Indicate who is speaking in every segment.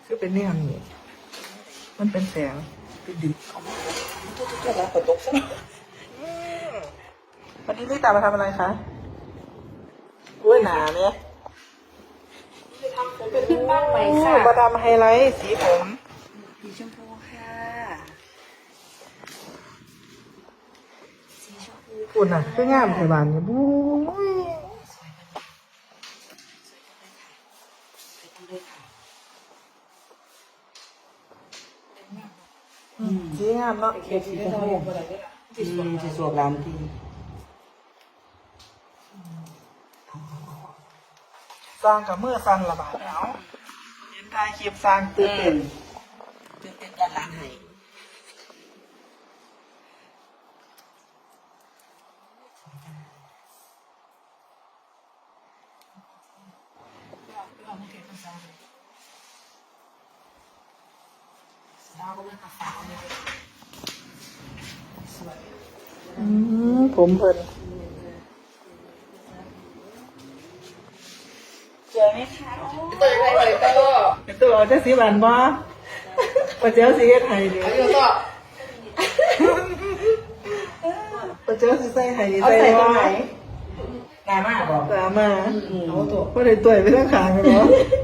Speaker 1: คือเป็นเนี่ยนี่มันเป็นแสงเป็นดิบตุ๊กแล้วฝนตกซะวันนี้ลิตามาทำอะไรคะกล้วยหนาเนี่ย
Speaker 2: จะทำผมเป็นขึ้นบ้านใหม่ค่ะ
Speaker 1: มาทำไฮไลท์สีผม
Speaker 2: สีชมพูค่ะสีชมพู
Speaker 1: คุณน่ะคืองามไทยบ้านเนี่ยบู๊ย
Speaker 2: สวยจังเลยค่ะ
Speaker 1: สีงามเนาะ
Speaker 2: เขียวสีชมพูสีสวยงามที
Speaker 1: สร้างกับเมื่อสั้นละบาทเอาเห็นทายคลิปสร้างตื่นเต้น
Speaker 2: ตื่นเต้นด้านหลังให้
Speaker 1: ผมเพิ่น
Speaker 2: สวยไหมคะสวยเลยก็
Speaker 1: เป็นตัวเอาเจ้าสีหวานบ่ปะเจ้าสีเฮ็ดไห้ดิ
Speaker 2: แล้วก็
Speaker 1: ปะเจ้าสีใส่ไห้ดิ
Speaker 2: เอาใส่ตรงไหน
Speaker 1: บ่
Speaker 2: งามมากบอก
Speaker 1: ตามมา
Speaker 2: เอาตัว
Speaker 1: บ่ได้ต่วยไปทางข้างกันบ่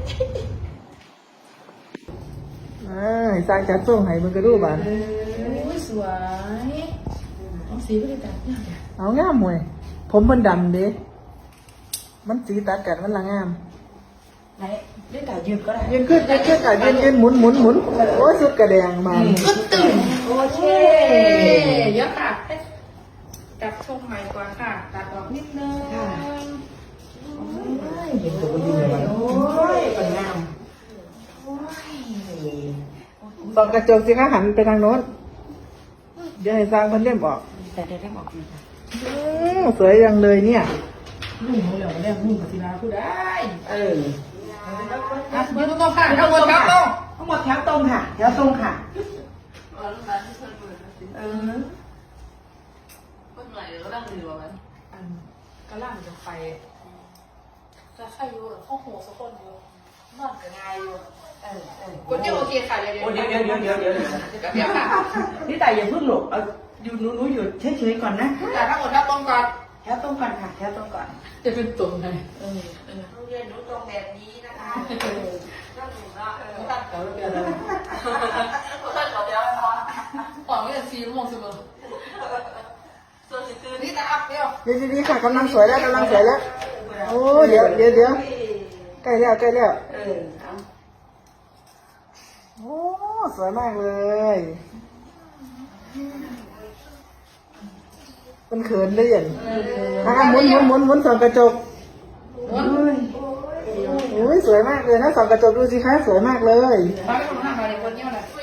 Speaker 1: ให้สร้างจัดส่งให้เบิ่งกระดูบาน
Speaker 2: สวยเอาสีไม่ได้ตัด
Speaker 1: เอางามหวยผมเพิ่นดำเด้มันสีตัดกันมันละงาม
Speaker 2: ไหนได้ตัดยืดก็ได้
Speaker 1: ยืนขึ้นอ่ะยืนหมุนโอ้ยสุดกระแดงมา
Speaker 2: ก็ตื่นโอเคเยอะค่ะจับทรงใหม่กว่าค่ะตัดออกนิดนึงเห็นตัวดีเลยโอ้ยเป็นงามโอ้ย
Speaker 1: ส่องกระจกสิคะหันไปทางโน้นเดี๋ยวให้สร้างเพิ่นเล่มออก
Speaker 2: แต่ได้บอกดีค่ะ
Speaker 1: สวยจังเลยเนี่ย
Speaker 2: นุ่มเหลืองเรื่องนุ่มกับศิลาผู้ได้ยืนตรงค่ะทั้งหมดแถวตรงทั้งหมดแถวตรงค่ะแถวตรงค่ะ
Speaker 3: คนไหนก็นั่งอยู่แบบนั้นก็ล่างจะไปจะใครอยู่ข้อหูสักคนอยู่นอนกับงายอยู่คนเดียวโอเคค่ะเดี๋ยว
Speaker 2: โอ้เดี๋ยวค่ะนี่แต่อย่าเพิ่งหลบเอาอยู่หนูอยู่เฉยๆก่อนนะ
Speaker 3: แต่ทั้งหมดถ้าตรงก่อน
Speaker 2: แถวตรงก่อนค่ะแถวตรงก่อน
Speaker 3: จะเป็นตรงไหน
Speaker 2: โรงเรียนหนูตรงแบบนี้นะคะ
Speaker 3: นั่งอยู่นะตั้งแถวเดียวเลยตั้งแถวเดียวพอหวังว่าจะซีมงเสมอส่วนคือนี่แต่อัพเดียว
Speaker 1: เดี๋ยวดีๆค่ะกำลังสวยแล้วโอ้เดี๋ยวใกล้แล้ว
Speaker 2: เอา
Speaker 1: โอ้สวยมากเลย มันเขินได้ยังหมุนส่องกระจกโอ้ยสวยมากเลยนะส่องกระจกดูสิคะสวยมากเลย
Speaker 3: บ้านไม่ทำงานอะไรคนเดียวเลย